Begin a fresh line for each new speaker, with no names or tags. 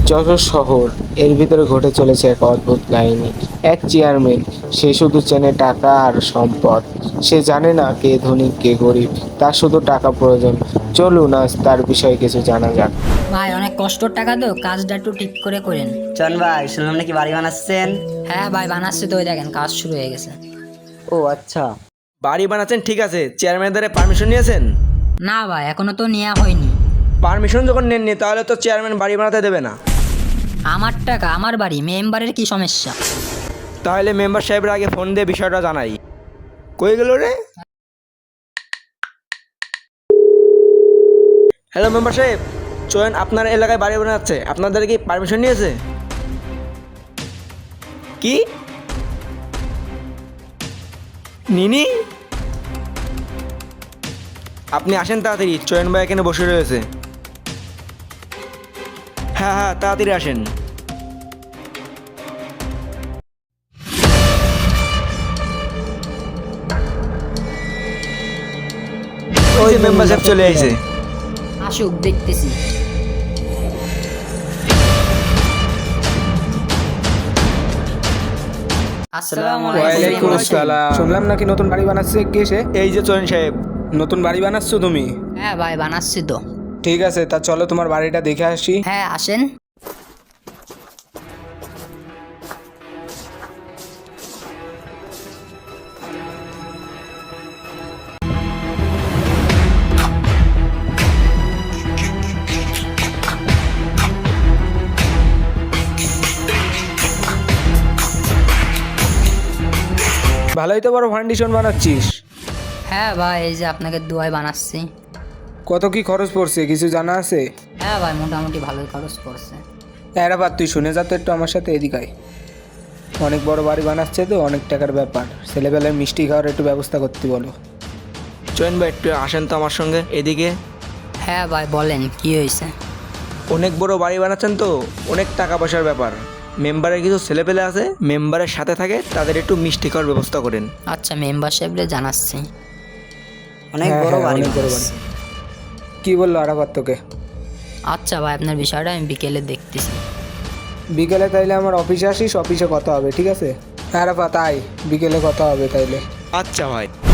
যশোর শহর, এর ভিতরে ঘটে চলেছে এক অদ্ভুত কাহিনী। এক চেয়ারম্যান, সে শুধু চেনে টাকা আর সম্পদ। সে জানে না কে ধনী কে গরিব, তার শুধু টাকা প্রয়োজন। চলুন আজ তার বিষয়ে কিছু জানা যাক।
ভাই অনেক কষ্টর টাকা তো, কাজটা একটু ঠিক করে করেন।
চন ভাই, শুনলাম নাকি বাড়ি বানাচ্ছেন?
হ্যাঁ ভাই বানাচ্ছি তো, ওই দেখেন কাজ শুরু হয়ে গেছে।
ও আচ্ছা।
বাড়ি বানাচ্ছেন ঠিক আছে, চেয়ারম্যানের দ্বারা পারমিশন নিয়েছেন?
না ভাই এখনো তো নেওয়া হয়নি।
পারমিশন যখন নেননি তাহলে তো চেয়ারম্যান বাড়ি বানাতে দেবে না।
আমার টাকা আমার বাড়ি, মেম্বারের কি সমস্যা?
তাহলে মেম্বার সাহেবের আগে ফোন দিয়ে বিষয়টা জানাই। কই গেল রে? হ্যালো মেম্বার সাহেব, চয়ন আপনার এলাকায় বাড়ি বানাচ্ছে, আপনাদের কি পারমিশন নিয়েছে? কি নিনি? আপনি আসেন তাড়াতাড়ি, চয়ন ভাই এখানে বসে রয়েছে। হ্যাঁ হ্যাঁ তাড়াতাড়ি আসেন। ওই মেম্বার সাহেব চলে আইছে।
আসুক দেখতেছি। আসসালামু
ওয়ালাইকুম
আলাইকুম।
আসসালাম। শুনলাম নাকি নতুন বাড়ি বানাচ্ছে, কে সে?
এই যে চয়ন সাহেব।
নতুন বাড়ি বানাচ্ছো তুমি?
হ্যাঁ ভাই বানাচ্ছি তো।
ঠিক আছে, তা চলো তোমার বাড়িটা দেখে আসি।
হ্যাঁ আসেন।
ভালোই তো বড় ফাউন্ডেশন বানাচ্ছিস।
হ্যাঁ ভাই এই যে আপনাকে দুয়ায় বানাচ্ছি।
কত কি খরচ পড়ছে কিছু জানা আছে?
হ্যাঁ ভাই মোটামুটি ভালোই খরচ পড়ছে।
এরাবার তুই শুনে যা তো একটু আমার সাথে, এদিকায়। অনেক বড় বাড়ি বানাচ্ছে তো, অনেক টাকার ব্যাপার। ছেলেবেলায় মিষ্টি খাওয়ার একটু ব্যবস্থা করতে বলো।
চয়ন ভাই একটু আসেন তো আমার সঙ্গে এদিকে।
হ্যাঁ ভাই বলেন কি হয়েছে?
অনেক বড় বাড়ি বানাচ্ছেন তো, অনেক টাকা পয়সার ব্যাপার। মেম্বারের কিছু ছেলেপেলে আছে, মেম্বারের সাথে থাকে, তাদের একটু মিষ্টি খাওয়ার ব্যবস্থা করেন।
আচ্ছা মেম্বারশিপরে জানাচ্ছি।
অনেক
হ্যাঁ,
বড়
হ্যাঁ,
বাড়ি
অনেক বড়
বানাচ্ছেন।
কি বললো আরাফাত তোকে?
আচ্ছা ভাই আপনার বিষয়টা আমি বিকেলে দেখতেছি।
বিকেলে তাইলে আমার অফিসে আসিস, অফিসে কথা হবে, ঠিক আছে? আরাফাত আয়, বিকেলে কথা হবে তাইলে।
আচ্ছা ভাই।